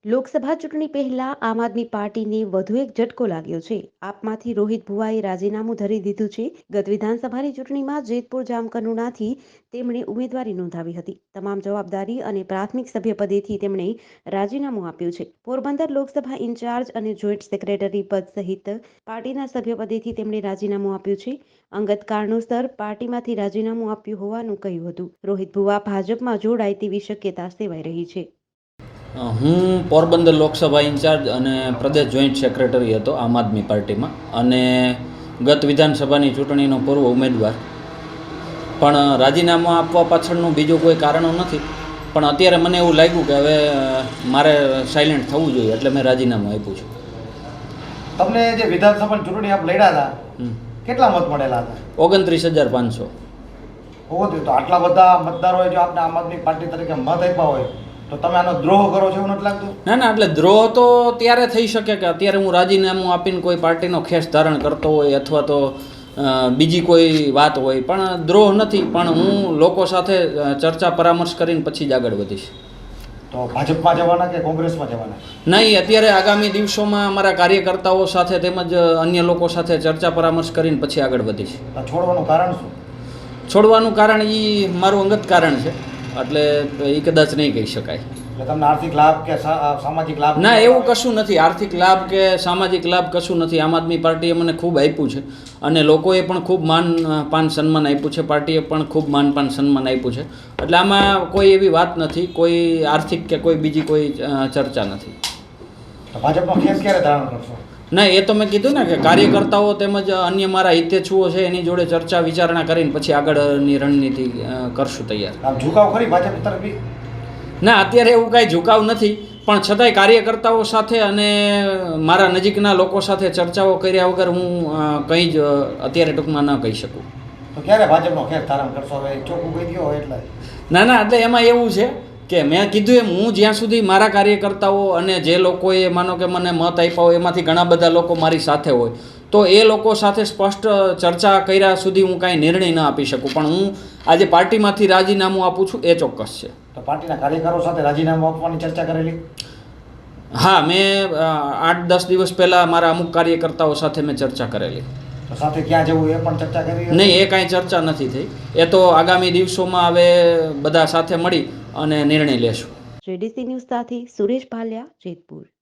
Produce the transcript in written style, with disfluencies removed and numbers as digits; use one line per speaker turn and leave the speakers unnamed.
લોકસભા ચૂંટણી પહેલા આમ આદમી પાર્ટીને વધુ એક ઝટકો લાગ્યો છે. આપમાંથી રોહિત ભુવાએ રાજીનામું ધરી દીધું છે. ગત વિધાનસભાની ચૂંટણીમાં જેતપુર જામકંડોરણાથી તેમણે ઉમેદવારી નોંધાવી હતી. તમામ જવાબદારી અને પ્રાથમિક સભ્યપદેથી તેમણે રાજીનામું આપ્યું છે. પોરબંદર લોકસભા ઇન્ચાર્જ અને જોઈન્ટ સેક્રેટરી પદ સહિત પાર્ટીના સભ્યપદેથી તેમણે રાજીનામું આપ્યું છે. અંગત કારણોસર પાર્ટીમાંથી રાજીનામું આપ્યું હોવાનું કહ્યું હતું. રોહિત ભુવા ભાજપમાં જોડાય તેવી શક્યતા સેવાઈ રહી છે.
હું પોરબંદર લોકસભા ઇન્ચાર્જ અને પ્રદેશ જોઈન્ટ સેક્રેટરી હતો આમ આદમી પાર્ટીમાં, અને ગત વિધાનસભાની ચૂંટણીનો પૂર્વ ઉમેદવાર. પણ રાજીનામું આપવા પાછળનું બીજું કોઈ કારણો નથી, પણ અત્યારે મને એવું લાગ્યું કે હવે મારે સાયલેન્ટ થવું જોઈએ, એટલે મેં રાજીનામું આપ્યું છે.
તમને જે વિધાનસભાની ચૂંટણી આપ લડ્યા હતા, કેટલા મત મળેલા હતા?
29,500.
તો આટલા બધા મતદારોએ જો આપને આમ આદમી પાર્ટી તરીકે મત આપ્યા હોય તો તમે આનો દ્રોહ કરો છો એવું નથી લાગતું?
ના, એટલે દ્રોહ તો ત્યારે થઈ શકે કે અત્યારે હું રાજીનામું આપીને કોઈ પાર્ટીનો ખેસ ધારણ કરતો હોય અથવા તો બીજી કોઈ વાત હોય, પણ દ્રોહ નથી. પણ હું લોકો સાથે ચર્ચા પરામર્શ કરીને પછી જ આગળ વધીશ.
તો ભાજપમાં જવાના કે કોંગ્રેસમાં જવાના?
નહીં, અત્યારે આગામી દિવસોમાં અમારા કાર્યકર્તાઓ સાથે તેમજ અન્ય લોકો સાથે ચર્ચા પરામર્શ કરીને પછી આગળ વધીશ.
છોડવાનું કારણ શું?
છોડવાનું કારણ એ મારું અંગત કારણ છે, એટલે એ કદાચ નહીં કહી શકાય.
તમને આર્થિક લાભ કે સામાજિક લાભ?
ના, એવું કશું નથી. આર્થિક લાભ કે સામાજિક લાભ કશું નથી. આમ આદમી પાર્ટીએ મને ખૂબ આપ્યું છે, અને લોકોએ પણ ખૂબ માન પાન સન્માન આપ્યું છે. પાર્ટીએ પણ ખૂબ માન પાન સન્માન આપ્યું છે. એટલે આમાં કોઈ એવી વાત નથી, કોઈ આર્થિક કે કોઈ બીજી કોઈ ચર્ચા નથી.
ભાજપનો ખેસ ક્યારે ધારણ કરશો?
ના, એ તો મેં કીધું ને કે કાર્યકર્તાઓ તેમજ અન્ય મારા હિતેચ્છુઓ છે એની જોડે ચર્ચા વિચારણા કરીને પછી આગળની રણનીતિ કરશું તૈયાર.
આમ ઝુકાવ ખરી ભાજપ તરફી?
ના, અત્યારે એવું કાંઈ ઝુકાવ નથી, પણ છતાંય કાર્યકર્તાઓ સાથે અને મારા નજીકના લોકો સાથે ચર્ચાઓ કર્યા વગર હું કંઈ જ અત્યારે ટૂંકમાં ન કહી શકું.
તો ક્યારે ભાજપનો ખેસ ધારણ કરશો? હવે ચોખ્ખું કહી દો એટલે.
ના, એટલે એમાં એવું છે કે મેં કીધું એમ, હું જ્યાં સુધી મારા કાર્યકર્તાઓ અને જે લોકોએ માનો કે મને મત આપ્યા હોય એમાંથી ઘણા બધા લોકો મારી સાથે હોય, તો એ લોકો સાથે સ્પષ્ટ ચર્ચા કર્યા સુધી હું કાંઈ નિર્ણય ન આપી શકું. પણ હું આજે પાર્ટીમાંથી રાજીનામું આપું છું એ ચોક્કસ છે.
તો પાર્ટીના કાર્યકરો સાથે રાજીનામું આપવાની ચર્ચા કરેલી?
હા, મેં 8-10 દિવસ પહેલાં મારા અમુક કાર્યકર્તાઓ સાથે મેં ચર્ચા કરેલી.
તો સાથે ક્યાં જવું એ પણ ચર્ચા કરી?
નહીં, એ કાંઈ ચર્ચા નથી થઈ. એ તો આગામી દિવસોમાં હવે બધા સાથે મળી અને નિર્ણય લેશું.
JDC ન્યૂઝ સાથે સુરેશ ભાલિયા, જેતપુર.